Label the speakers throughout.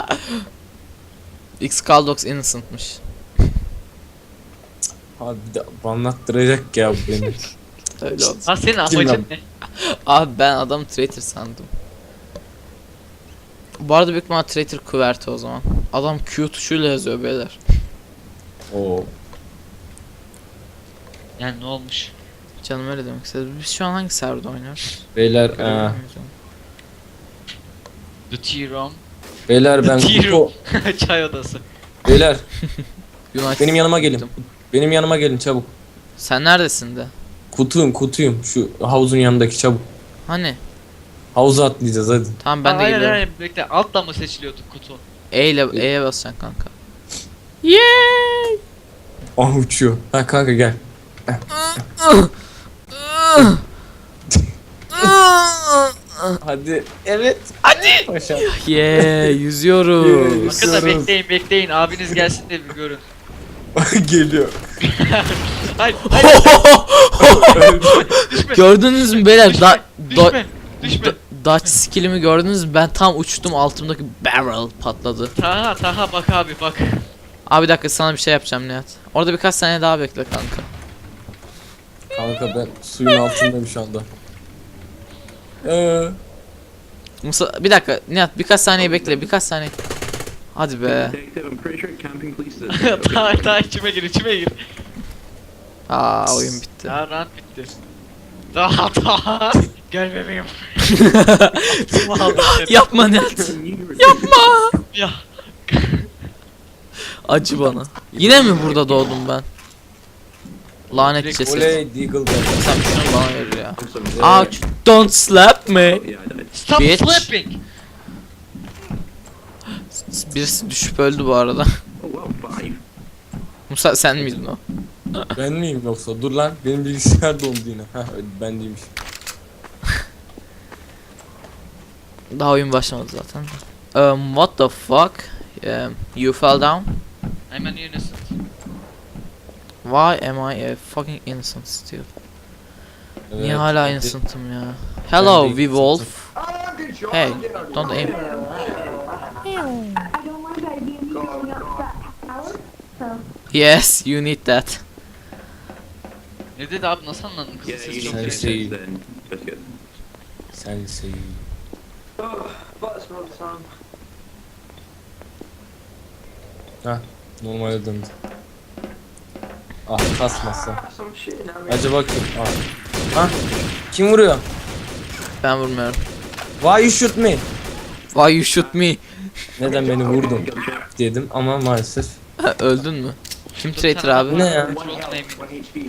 Speaker 1: X-Caldox innocent'mış.
Speaker 2: Abi bir de anlattıracak ya bu beni.
Speaker 1: Öyle oldu.
Speaker 3: Ha senin
Speaker 2: Kim lan?
Speaker 3: amacın ne?
Speaker 1: Abi ben adam traitor sandım. Bu arada büyük ihtimal traitor kuvveti o zaman. Adam Q tuşuyla yazıyor beyler.
Speaker 2: Oo.
Speaker 3: Yani ne olmuş?
Speaker 1: Canım öyle demek istedi. Biz şu an hangi serverda oynuyoruz?
Speaker 2: Beyler
Speaker 1: Görebiliyor muyuz onu?
Speaker 3: The Tea Room.
Speaker 2: beyler ben
Speaker 3: Tea
Speaker 2: kutu
Speaker 3: Room. Çay odası.
Speaker 2: beyler
Speaker 1: United
Speaker 2: benim yanıma gelin.
Speaker 1: Kingdom.
Speaker 2: Benim yanıma gelin çabuk.
Speaker 1: Sen neredesin de?
Speaker 2: Kutuyum şu havuzun yanındaki çabuk.
Speaker 1: Hani?
Speaker 2: Havuza atlayacağız hadi.
Speaker 1: Tamam ben de
Speaker 3: Hayır,
Speaker 1: geliyorum.
Speaker 3: hayır, bekle. Altla mı seçiliyordu kutu?
Speaker 1: E'ye basacaksın kanka. Yeeey!
Speaker 2: Ah uçuyor. Ha kanka gel. Hadi. Evet.
Speaker 1: Hadi!
Speaker 2: Paşa.
Speaker 1: Yüzüyoruz.
Speaker 3: Bakın da bekleyin. Abiniz gelsin de bir görün.
Speaker 2: Geliyor.
Speaker 3: Hayır. Düşme.
Speaker 1: Gördünüz mü beyler?
Speaker 3: Düşme. Düşme.
Speaker 1: Dutch skill'imi gördünüz mü? Ben tam uçtum, altımdaki barrel patladı.
Speaker 3: Taha bak abi bak.
Speaker 1: Abi bir dakika, sana bir şey yapacağım Nihat. Orada birkaç saniye daha bekle kanka.
Speaker 2: Kanka ben suyun altındayım şu anda.
Speaker 1: Musa, bir dakika Nihat, birkaç saniye bekle, birkaç saniye. Hadi be.
Speaker 3: Taha içime gir.
Speaker 1: Aa, oyun bitti.
Speaker 3: Daha rahat bitti. Taha. Gel bebeğim. Kim aldı seni?
Speaker 1: Yapma Nihat. Yapma.
Speaker 3: Ya.
Speaker 1: Acı bana. Yine mi burada doğdum ben? Lanet
Speaker 3: Direkt
Speaker 1: ceset.
Speaker 2: Oley Deagle geldi.
Speaker 1: Sen şunu bana ver ya. Ouch. Don't slap me.
Speaker 3: Stop
Speaker 1: Bitch.
Speaker 3: flipping.
Speaker 1: Birisi düşüp öldü bu arada. Musa sen miydin o?
Speaker 2: Ben miyim yoksa? Dur lan benim bilgisayar dondu yine. Heh ben değilmiş.
Speaker 1: Daha oyun başlamadı zaten. What the fuck? You fell down?
Speaker 3: I'm an innocent.
Speaker 1: Why am I a fucking innocent still?
Speaker 2: Evet,
Speaker 1: Niye hala
Speaker 2: hadi.
Speaker 1: innocent'ım ya? Hello,
Speaker 2: Ben de
Speaker 1: Weewolf. Hey, don't aim.
Speaker 4: I don't want that being going up that tower. So
Speaker 1: Yes, you need that.
Speaker 3: Ne dedi abi, nasıl anladın kızın sesi çok iyi.
Speaker 2: Sensei. Sensei. Hah normale döndü. Ah kasmazsa. Acaba kim? Ah. Ha? Kim vuruyor?
Speaker 1: Ben vurmuyorum.
Speaker 2: Why you shoot me?
Speaker 1: Why you shoot me?
Speaker 2: Neden beni vurdun? Dedim ama maalesef.
Speaker 1: Öldün mü? Kim traitor abi?
Speaker 2: Ne ya?
Speaker 3: Çok eminim.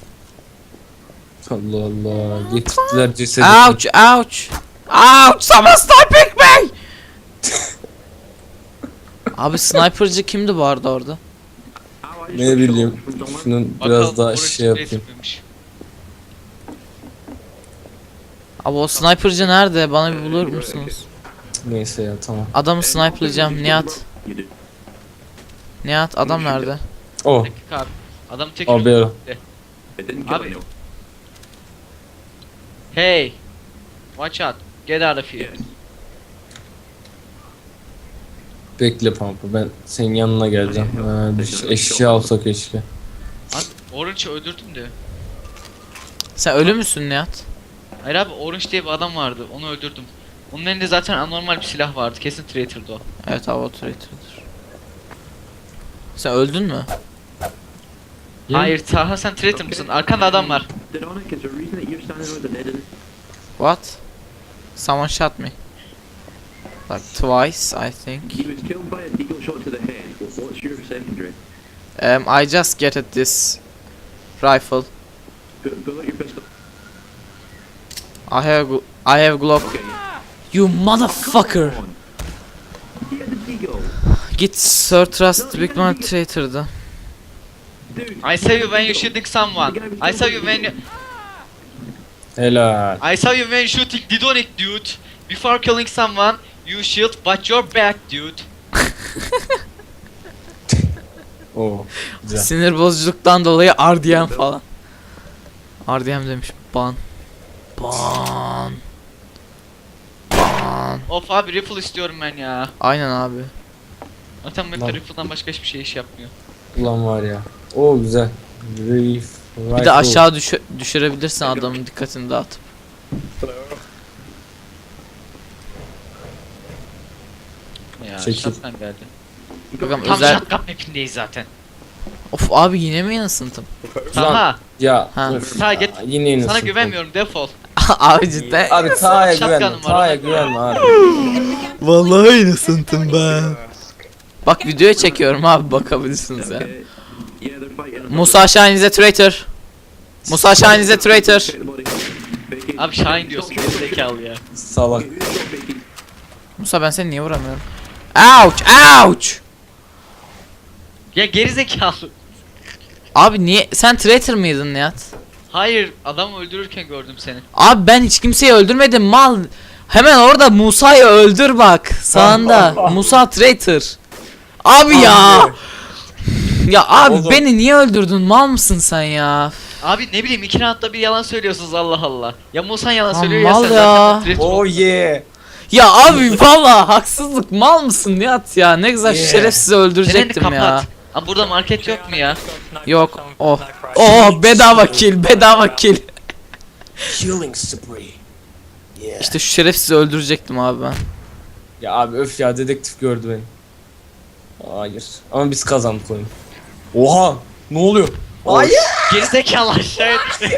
Speaker 2: Allah Allah. Getirdiler cesedi.
Speaker 1: Ouch, ouch. Ouch, someone sniping me. Abi sniper'cı kimdi bu arada orada?
Speaker 2: Ne bileyim. Şunun biraz
Speaker 3: Bakalım,
Speaker 2: daha
Speaker 3: orası
Speaker 2: şey yapayım.
Speaker 3: resmiymiş.
Speaker 1: Abi o sniper'cı nerede? Bana bir bulur musunuz?
Speaker 2: Neyse ya tamam.
Speaker 1: Adamı sniper'layacağım Nihat. Nihat adam nerede?
Speaker 2: Oh.
Speaker 3: Dakika abi. Adam tek
Speaker 2: Abi ya.
Speaker 3: Abi. Hey. Watch out. Get out of here.
Speaker 2: Bekle Pampa ben senin yanına geleceğim. Eşya alsak keşke.
Speaker 3: Abi Orange'ı öldürdüm de.
Speaker 1: Sen ölü müsün Nihat?
Speaker 3: Hayır abi, Orange diye bir adam vardı. Onu öldürdüm. Onun elinde zaten anormal bir silah vardı. Kesin traitor'dı o.
Speaker 1: Evet abi o traitor'dır. Sen öldün mü?
Speaker 3: Hayır Taha, sen traitor mısın? Arkanda adam var.
Speaker 1: What? Someone shot me. Like twice I think. I just get at this rifle. I have Glock. You motherfucker. Git Sir Trust Big Man traitor'dı.
Speaker 3: I saw you when you shooting someone. I saw you when you...
Speaker 2: Helal.
Speaker 3: I saw you when shooting Didonic, dude. Before killing someone, you shield but your back, dude.
Speaker 2: Oo. Güzel.
Speaker 1: Sinir bozuculuktan dolayı RDM falan. RDM demiş. Ban. Ban. Ban.
Speaker 3: Of abi, rifle istiyorum ben ya.
Speaker 1: Aynen abi.
Speaker 3: Zaten map'te
Speaker 2: Lan.
Speaker 3: rifle'dan başka hiçbir şey iş yapmıyor.
Speaker 2: Ulan var ya. O güzel.
Speaker 1: Bir de aşağı düşürebilirsin adamın dikkatini dağıtıp.
Speaker 3: Ya
Speaker 2: Çekil.
Speaker 3: shotgun geldi.
Speaker 1: Bakalım
Speaker 3: Tam
Speaker 1: özel...
Speaker 3: shotgun map'indeyiz zaten.
Speaker 1: Of abi yine mi yanısıntım?
Speaker 3: Taha.
Speaker 2: Ya
Speaker 1: Ha.
Speaker 2: öf
Speaker 3: Taha
Speaker 2: ya,
Speaker 3: git.
Speaker 2: yine yine
Speaker 3: Sana
Speaker 2: sıktım.
Speaker 3: güvenmiyorum defol.
Speaker 1: Abi cidden.
Speaker 2: Abi Taha'ya
Speaker 3: Shotgun'um
Speaker 2: güvenme.
Speaker 3: var,
Speaker 2: Taha'ya
Speaker 3: ona-
Speaker 2: güvenme abi.
Speaker 1: Vallahi yanısıntım ben. Bak videoya çekiyorum abi bakabilirsiniz ya. Musa Şahin is a traitor. Musa Şahin is a traitor.
Speaker 3: Abi Şahin diyorsun gerizekalı ya.
Speaker 2: Salak.
Speaker 1: Musa ben seni niye vuramıyorum? Ouch! Ouch!
Speaker 3: Ya gerizekalı.
Speaker 1: Abi niye? Sen traitor mıydın Nihat?
Speaker 3: Hayır adam öldürürken gördüm seni.
Speaker 1: Abi ben hiç kimseyi öldürmedim mal. Hemen orada Musa'yı öldür bak. Sağında. Musa traitor. Abi ya. Ya abi
Speaker 2: Oğlum.
Speaker 1: beni niye öldürdün? Mal mısın sen ya?
Speaker 3: Abi ne bileyim 2 roundda bir yalan söylüyorsunuz Allah Allah. Ya Musa yalan
Speaker 1: Aman
Speaker 3: söylüyor ya sen
Speaker 1: ya.
Speaker 3: zaten traitor
Speaker 2: Oh
Speaker 3: oldun.
Speaker 2: yeah.
Speaker 1: Ya abi valla haksızlık mal mısın Nihat ya? Ne güzel
Speaker 2: Yeah.
Speaker 1: şerefsizi
Speaker 3: Çeneni
Speaker 1: öldürecektim ya.
Speaker 3: kapat. Ama burada market yok mu ya?
Speaker 1: Yok. Oh. Oh bedava kill, bedava kill.
Speaker 2: Killing spree. Yeah.
Speaker 1: İşte şu şerefsizi öldürecektim abi ben.
Speaker 2: Ya abi öf ya dedektif gördü beni. Hayır. Ama biz kazandık oyunu. Oha! Ne oluyor? Hayır.
Speaker 3: Gerizekalı aşağıya düştü.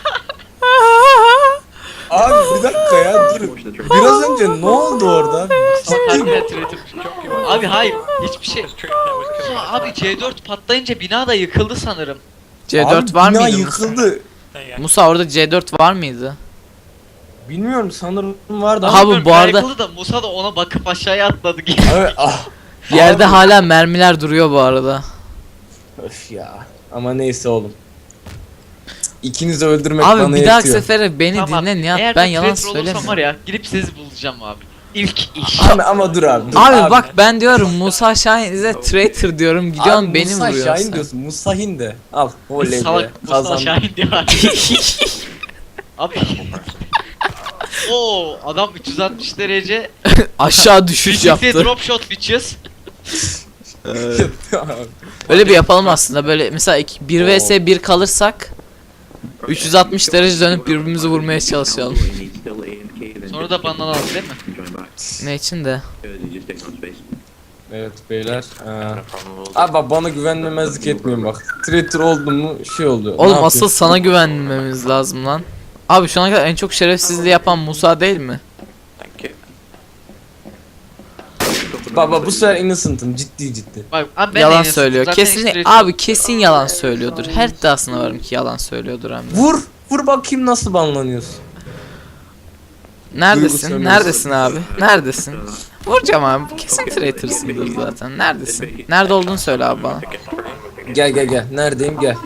Speaker 2: Abi bir dakika ya dur. Biraz önce ne oldu orada?
Speaker 3: Harbiden traitor. Abi hayır hiçbir şey. Aa, abi C4 patlayınca bina da yıkıldı sanırım.
Speaker 1: C4
Speaker 2: Abi,
Speaker 1: var
Speaker 2: bina
Speaker 1: mıydı?
Speaker 2: yıkıldı.
Speaker 1: Musa orada C4 var mıydı?
Speaker 2: Bilmiyorum sanırım vardı
Speaker 1: Aha,
Speaker 2: ama.
Speaker 1: bu
Speaker 3: Bilmiyorum,
Speaker 1: arada-
Speaker 3: yıkıldı da Musa da ona bakıp aşağıya atladı.
Speaker 2: Abi, ah.
Speaker 1: Yerde
Speaker 2: Abi.
Speaker 1: hala mermiler duruyor bu arada.
Speaker 2: Öf ya. Ama neyse oğlum. İkinizi öldürmek
Speaker 1: Abi
Speaker 2: bana
Speaker 1: bir dahaki
Speaker 2: yetiyor.
Speaker 1: sefere beni
Speaker 3: Tamam,
Speaker 1: dinle Nihat
Speaker 3: eğer
Speaker 1: ben
Speaker 3: bir
Speaker 1: yalan
Speaker 3: traitor olursam
Speaker 1: söylemiyorum.
Speaker 3: var ya gidip sizi bulacağım abi. İlk iş.
Speaker 2: Ama dur abi. Dur
Speaker 1: Abi bak ben diyorum Musa Şahin is a traitor diyorum gidiyorsun
Speaker 2: Abi,
Speaker 1: beni
Speaker 2: Musa
Speaker 1: vuruyorsun.
Speaker 2: Şahin diyorsun. Musahin de. Al. Oley be.
Speaker 3: Salak Musa
Speaker 2: Kazandım.
Speaker 3: Şahin diyor abi. Oo adam 360 derece
Speaker 1: Aşağı düşüş
Speaker 3: Birlikte
Speaker 1: yaptı.
Speaker 3: drop shot bitches.
Speaker 1: Öyle bir yapalım aslında böyle mesela 1 vs 1 kalırsak 360 derece dönüp birbirimizi vurmaya çalışalım.
Speaker 3: Sonra da bandan aldı değil mi?
Speaker 1: Ne için de?
Speaker 2: Evet beyler. Abi bak bana güvenmemezlik etmeyin bak. Traitor oldum mu şey oluyor. Ne
Speaker 1: Oğlum
Speaker 2: yapayım?
Speaker 1: asıl sana güvenmemiz lazım lan. Abi şu ana kadar en çok şerefsizliği yapan Musa değil mi?
Speaker 2: Baba bu sefer innocent'ım ciddi ciddi.
Speaker 3: Bak abi ben
Speaker 1: Yalan
Speaker 3: de yine
Speaker 1: söylüyor.
Speaker 3: zaten
Speaker 1: Kesin
Speaker 3: hiç traitor-
Speaker 1: abi kesin yalan söylüyordur. Her iddiasına varım ki yalan söylüyordur hem de.
Speaker 2: Vur! Vur bakayım nasıl banlanıyorsun.
Speaker 1: Neredesin?
Speaker 2: Duygu
Speaker 1: Neredesin abi? Neredesin? Vuracağım abi. Kesin traitors'ındır zaten. Neredesin? Nerede olduğunu söyle abi bana.
Speaker 2: Gel gel gel. Neredeyim gel.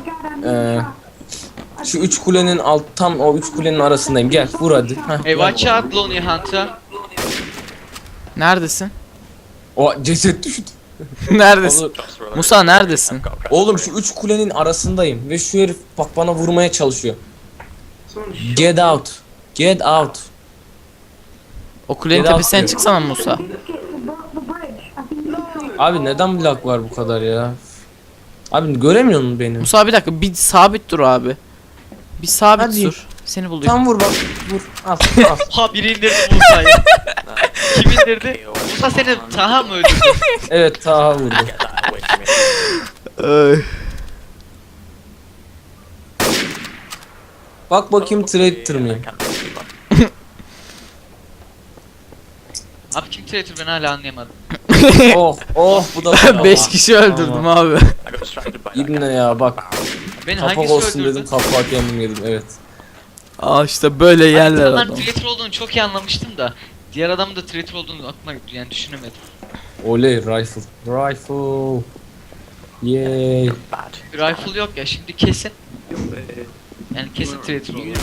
Speaker 2: Şu üç kulenin tam o üç kulenin arasındayım. Gel vur hadi. Heh,
Speaker 3: Hey
Speaker 2: gel.
Speaker 3: watch out Lonely Hunter.
Speaker 1: Neredesin?
Speaker 2: O ceset düştü.
Speaker 1: Neredesin?
Speaker 2: Oğlum,
Speaker 1: Musa neredesin?
Speaker 2: oğlum şu üç kulenin arasındayım ve şu herif bak bana vurmaya çalışıyor. Get out. Get out.
Speaker 1: O kulenin
Speaker 2: Biraz
Speaker 1: tepesine
Speaker 2: diyor.
Speaker 1: çıksana Musa.
Speaker 4: The bridge. I think
Speaker 2: Abi neden lag var bu kadar ya? Abi göremiyor musun beni?
Speaker 1: Musa bir dakika bir sabit dur abi. Bir sabit
Speaker 2: Hadi.
Speaker 1: dur. Seni buldum.
Speaker 2: Tam vur bak. Vur. Al. Al.
Speaker 3: Ha biri indirdi Musa'yı. Kim indirdi? Musa seni Taha mı öldürdü?
Speaker 2: Evet Taha vurdu. Bak bakayım traitor mıyım?
Speaker 3: Abi kim traitor ben hala anlayamadım.
Speaker 2: Oh oh bu da
Speaker 1: 5 kişi öldürdüm abi.
Speaker 2: İbne ya bak.
Speaker 3: Beni
Speaker 2: Kapak
Speaker 3: hangisi
Speaker 2: olsun
Speaker 3: öldürdü?
Speaker 2: dedim kapağı kendim yedim evet.
Speaker 1: Aa işte böyle yerler
Speaker 3: Adamlar
Speaker 1: adam.
Speaker 3: traitor olduğunu çok iyi anlamıştım da diğer adamın da traitor olduğunu aklıma yani düşünemedim.
Speaker 2: Oley rifle. Rifle. Yay.
Speaker 3: Bir rifle yok ya şimdi kesin. Yani kesin traitor oluyor.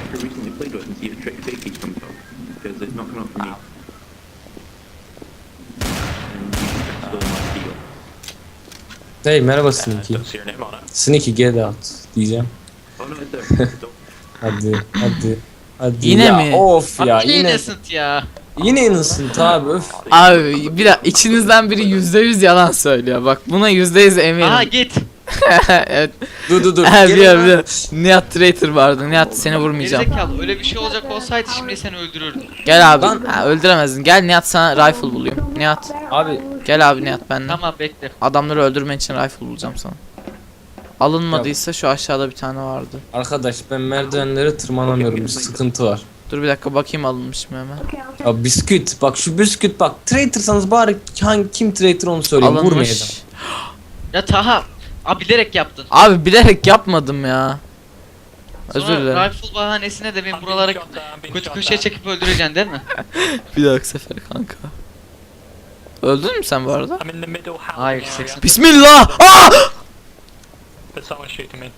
Speaker 2: Hey merhaba Sneaky. Sneaky get out diyeceğim. Hadi hadi. Hadi
Speaker 1: Yine
Speaker 2: ya,
Speaker 1: mi?
Speaker 2: Of ya
Speaker 3: Abi
Speaker 2: yine.
Speaker 3: innocent ya.
Speaker 2: Yine innocent abi öf.
Speaker 1: Abi bir dakika, içinizden biri %100 yalan söylüyor. Bak buna %100 eminim.
Speaker 3: Aha git.
Speaker 1: Evet.
Speaker 2: Dur.
Speaker 1: Ha,
Speaker 2: Gelin
Speaker 1: biliyorum,
Speaker 2: lan.
Speaker 1: biliyorum. Nihat traitor vardı. Nihat seni vurmayacağım.
Speaker 3: Gerizekalı öyle bir şey olacak olsaydı şimdi seni öldürürdüm.
Speaker 1: Gel abi.
Speaker 2: Lan.
Speaker 1: Ha, öldüremezdin. Gel Nihat, sana rifle bulayım. Nihat.
Speaker 2: Abi
Speaker 1: Gel abi Nihat benimle.
Speaker 3: Tamam bekle.
Speaker 1: Adamları öldürmen için rifle bulacağım sana. Alınmadıysa şu aşağıda bir tane vardı.
Speaker 2: arkadaş ben merdivenlere tırmanamıyorum. Bir sıkıntı var.
Speaker 1: Dur bir dakika bakayım alınmış mı hemen.
Speaker 4: Okay, I'll take
Speaker 2: Ya bisküt bak şu bisküt bak. Traitorsanız bari kim traitor onu söyleyin. Vurmayacağım.
Speaker 1: Alınmış.
Speaker 3: Ya Taha. Abi bilerek yaptın.
Speaker 1: Abi bilerek yapmadım ya. Özür
Speaker 3: Sonra
Speaker 1: dilerim.
Speaker 3: rifle bahanesine de beni buralara kötü köşeye çekip öldüreceksin değil mi?
Speaker 1: Bir dahaki sefer kanka. Öldün mü sen bu arada?
Speaker 5: I'm in the middle house.
Speaker 3: Hayır 80.
Speaker 1: Bismillah! Aa!
Speaker 5: But someone shooting me.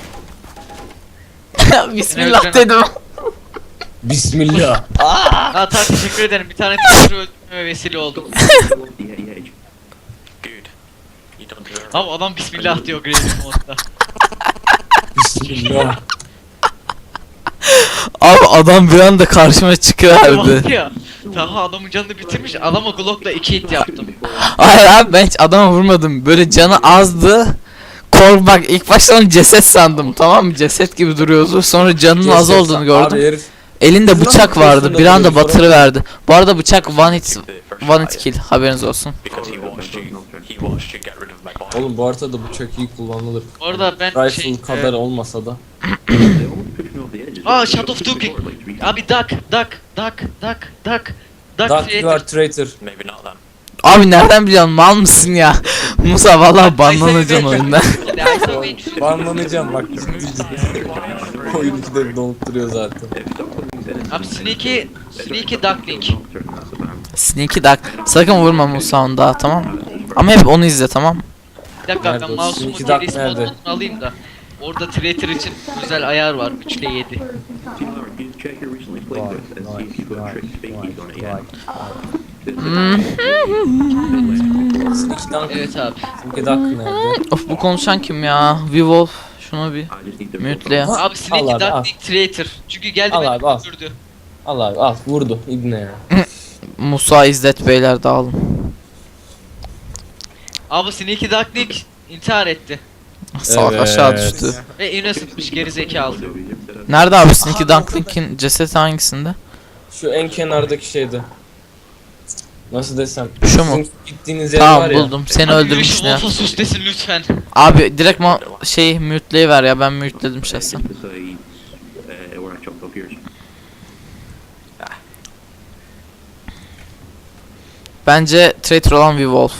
Speaker 1: Bismillah dedim.
Speaker 2: Bismillah.
Speaker 3: Aa Taha teşekkür ederim. Bir tane teşekkür öldürmeme vesile oldum.
Speaker 5: Good. You don't deserve
Speaker 3: Abi adam bismillah diyor Grey's modda.
Speaker 2: Bismillah.
Speaker 1: Abi adam bir anda karşıma
Speaker 3: Bak
Speaker 1: çıkıverdi.
Speaker 3: ya. Taha adamın canını bitirmiş. Adama Glock'la 2 hit yaptım.
Speaker 1: Hayır abi ben hiç adama vurmadım. Böyle canı azdı. Bak ilk başta onu ceset sandım, tamam mı? Ceset gibi duruyordu. Sonra canının az olduğunu
Speaker 2: Abi
Speaker 1: gördüm.
Speaker 2: herif
Speaker 1: Elinde
Speaker 2: Şuradan
Speaker 1: bıçak vardı.
Speaker 2: şurada
Speaker 1: Bir anda
Speaker 2: duruyor,
Speaker 1: batırıverdi. Bu arada bıçak one hit
Speaker 5: the first
Speaker 1: kill, haberiniz olsun.
Speaker 5: because he watched you get rid of my body.
Speaker 2: oğlum bu haritada bıçak iyi kullanılır.
Speaker 3: Bu arada ben
Speaker 2: Rifle
Speaker 3: şey...
Speaker 2: kadar olmasa da.
Speaker 3: Aa Shadow of Duking. Abi duck. Duck
Speaker 2: Dark you are
Speaker 3: creator.
Speaker 2: traitor.
Speaker 5: Maybe not then.
Speaker 1: Abi nereden biliyorsun, mal mısın ya? Musa vallahi banlanacaksın oyundan.
Speaker 2: Banlanacağım bak ciddi ciddi. Oyun ikide donup duruyor zaten.
Speaker 3: Abi Sneaky Duckling.
Speaker 1: Sneaky Duck. Sakın vurma Musa onu daha, tamam mı? Ama hep onu izle, tamam mı?
Speaker 3: Bir dakika
Speaker 2: Nerede
Speaker 3: ben
Speaker 2: o?
Speaker 3: mouse'umun
Speaker 2: Sneaky Duck
Speaker 3: geri
Speaker 2: nerede?
Speaker 3: modunu alayım da. Orada Traitor için özel ayar var 3 ile 7.
Speaker 2: Sneaky Dunk.
Speaker 3: Evet abi.
Speaker 2: Sneaky Duck nerede?
Speaker 1: Of bu konuşan kim ya? Wolf. Şunu bir mute'le ya.
Speaker 2: Ha,
Speaker 3: Abi Sneaky
Speaker 2: al abi, al.
Speaker 3: Duckling Traitor. Çünkü geldi
Speaker 2: Al
Speaker 3: beni
Speaker 2: abi, al.
Speaker 3: öldürdü.
Speaker 2: Al abi al vurdu İbne ya.
Speaker 1: Musa İzzet beyler dağılın.
Speaker 3: Abi Sneaky Duckling intihar etti.
Speaker 1: Salak
Speaker 2: Evet.
Speaker 1: aşağı düştü.
Speaker 3: Ve innocent'mış geri zekalı.
Speaker 1: Nerede abi Sneaky Ducklink'in cesedi hangisinde?
Speaker 2: Şu en kenardaki şeyde. Nasıl desem?
Speaker 1: Şu mu?
Speaker 2: Sizin gittiğiniz yer
Speaker 1: Tamam
Speaker 2: var ya.
Speaker 1: buldum. Seni
Speaker 3: Abi
Speaker 1: öldürmüşsün
Speaker 3: yürüyüşü
Speaker 1: ya.
Speaker 3: Wolf'a sus desin lütfen.
Speaker 1: Abi direkt şey mute'leyiver ya, ben mute'ledim şahsen. Bence traitor olan bir Wolf.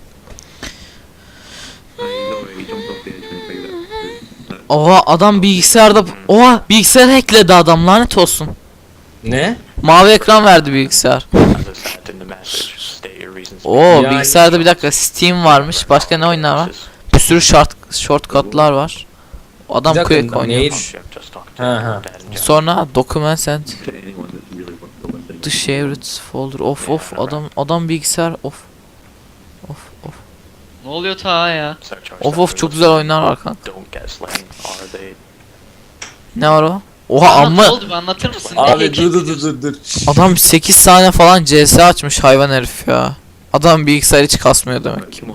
Speaker 1: Oha adam bilgisayarda, oha bilgisayar hackledi adam, lanet olsun.
Speaker 2: Ne?
Speaker 1: Mavi ekran verdi bilgisayar.
Speaker 5: As I said in the message, state your reasons.
Speaker 1: Oo
Speaker 2: Yani-
Speaker 1: bilgisayarda bir dakika Steam varmış. Başka ne oyunlar var? Bir sürü shortcutlar var. O adam
Speaker 2: Bir dakika,
Speaker 1: Quake oynuyor.
Speaker 2: neydi?
Speaker 5: I've just talked to
Speaker 2: Ha, ha.
Speaker 5: Dan and John.
Speaker 1: Sonra documents and the shared folder. Of adam bilgisayar of.
Speaker 3: Ne oluyor Taha ya?
Speaker 5: Search our
Speaker 1: Of çok güzel oyunlar var kanka.
Speaker 5: Don't get slain. Are they?
Speaker 1: Ne var o? Oha
Speaker 3: Taha, ne
Speaker 1: amma
Speaker 3: oldu bir anlatır mısın? Ne
Speaker 2: Abi
Speaker 3: heykel
Speaker 2: dur.
Speaker 1: adam 8 tane falan CS açmış hayvan herif ya. Adam bilgisayar hiç kasmıyor demek ki.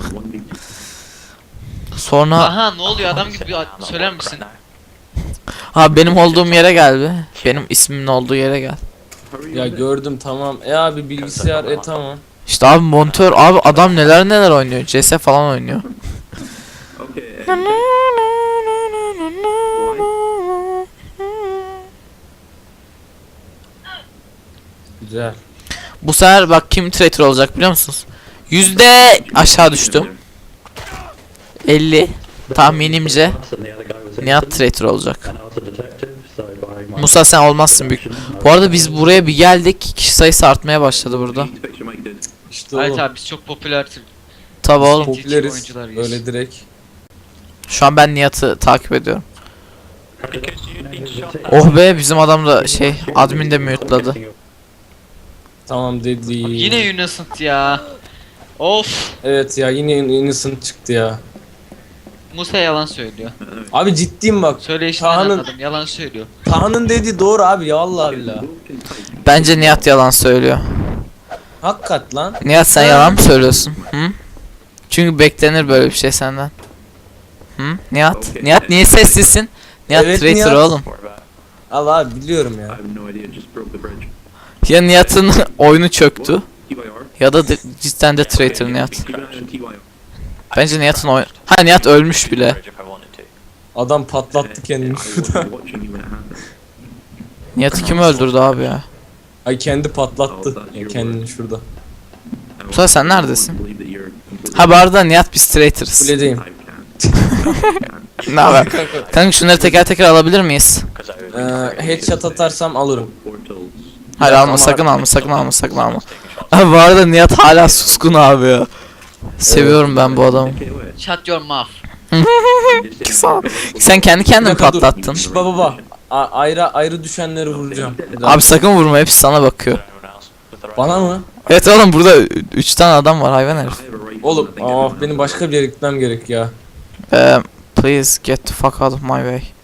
Speaker 1: Sonra
Speaker 3: Aha ne oluyor adam gibi bir söyler misin?
Speaker 1: ha benim olduğum yere gel be. Benim ismimin olduğu yere gel.
Speaker 2: Ya gördüm tamam. Abi bilgisayar tamam.
Speaker 1: İşte abi monitör abi adam neler oynuyor. CS falan oynuyor.
Speaker 2: Güzel.
Speaker 1: Bu sefer bak kim traitor olacak biliyor musunuz? Aşağı düştüm. 50 tahminimce Nihat traitor olacak. Musa sen olmazsın büyük. Bu arada biz buraya bir geldik. Kişi sayısı artmaya başladı burada.
Speaker 2: İşte
Speaker 3: Evet
Speaker 2: oğlum.
Speaker 3: abi biz çok popüler
Speaker 1: Tabi oğlum.
Speaker 2: Popüleriz.
Speaker 3: oyuncularıyız.
Speaker 2: Öyle direkt.
Speaker 1: Şu an ben Nihat'ı takip ediyorum.
Speaker 5: Because you'd been shot.
Speaker 1: Oh be bizim adam da admin de mute'ladı.
Speaker 2: Tamam dedi.
Speaker 3: Yine innocent ya. Of.
Speaker 2: Evet ya yine innocent çıktı ya.
Speaker 3: Musa yalan söylüyor.
Speaker 2: Abi ciddiyim bak.
Speaker 3: Söyleyişinden
Speaker 2: Taha'nın-
Speaker 3: anladım yalan söylüyor.
Speaker 2: Taha'nın dediği doğru abi ya Allah billah.
Speaker 1: Bence Nihat yalan söylüyor.
Speaker 2: Hakikat lan.
Speaker 1: Nihat sen yalan mı söylüyorsun? Hı? Çünkü beklenir böyle bir şey senden. Hı? Nihat? Nihat niye sessizsin? Nihat
Speaker 2: Evet,
Speaker 1: traitor
Speaker 2: Nihat.
Speaker 1: oğlum.
Speaker 5: Or about
Speaker 2: Allah abi biliyorum ya.
Speaker 6: I have no idea. Just broke the bridge.
Speaker 1: Ya Nihat'ın oyunu çöktü
Speaker 6: TYR.
Speaker 1: ya da cidden de traitor Nihat.
Speaker 6: Keep an eye on TYR.
Speaker 1: Bence Nihat'ın oyun... Ha Nihat ölmüş bile.
Speaker 5: bridge if I wanted to.
Speaker 2: Adam patlattı kendini
Speaker 6: I wasn't
Speaker 2: şurada.
Speaker 6: watching you when it happened.
Speaker 1: Nihat'ı kim öldürdü abi ya?
Speaker 2: Ay kendi patlattı. Ya kendini şurada.
Speaker 1: Musa sen neredesin?
Speaker 6: I believe that you're completely-
Speaker 1: Ha bu arada Nihat biz traitor'ız.
Speaker 2: Kuledeyim.
Speaker 6: I can't.
Speaker 1: Ne haber? Kanka şunları teker teker alabilir miyiz?
Speaker 5: 'Cause I would
Speaker 2: Headshot atarsam alırım.
Speaker 6: Portals.
Speaker 1: Hayır
Speaker 2: Evet,
Speaker 1: alma
Speaker 2: ama-
Speaker 1: sakın alma sakın alma sakın alma.
Speaker 5: taking shots.
Speaker 1: Abi bu arada Nihat hala suskun abi ya. Seviyorum ben bu adamı.
Speaker 6: Okay, wait.
Speaker 3: Shut your mouth.
Speaker 1: Sağ ol. Sen kendi kendini
Speaker 2: Bir dakika dur.
Speaker 1: patlattın.
Speaker 2: Şş, baba. Ayrı düşenleri vuracağım.
Speaker 1: Abi sakın vurma hepsi sana bakıyor.
Speaker 5: Anyone else with the right
Speaker 2: Bana mı?
Speaker 1: Evet oğlum burada 3 tane adam var hayvan herif.
Speaker 6: I have a right
Speaker 2: Oğlum
Speaker 6: to think
Speaker 2: benim başka bir yere gitmem gerek ya.
Speaker 1: Please get the fuck out of my way.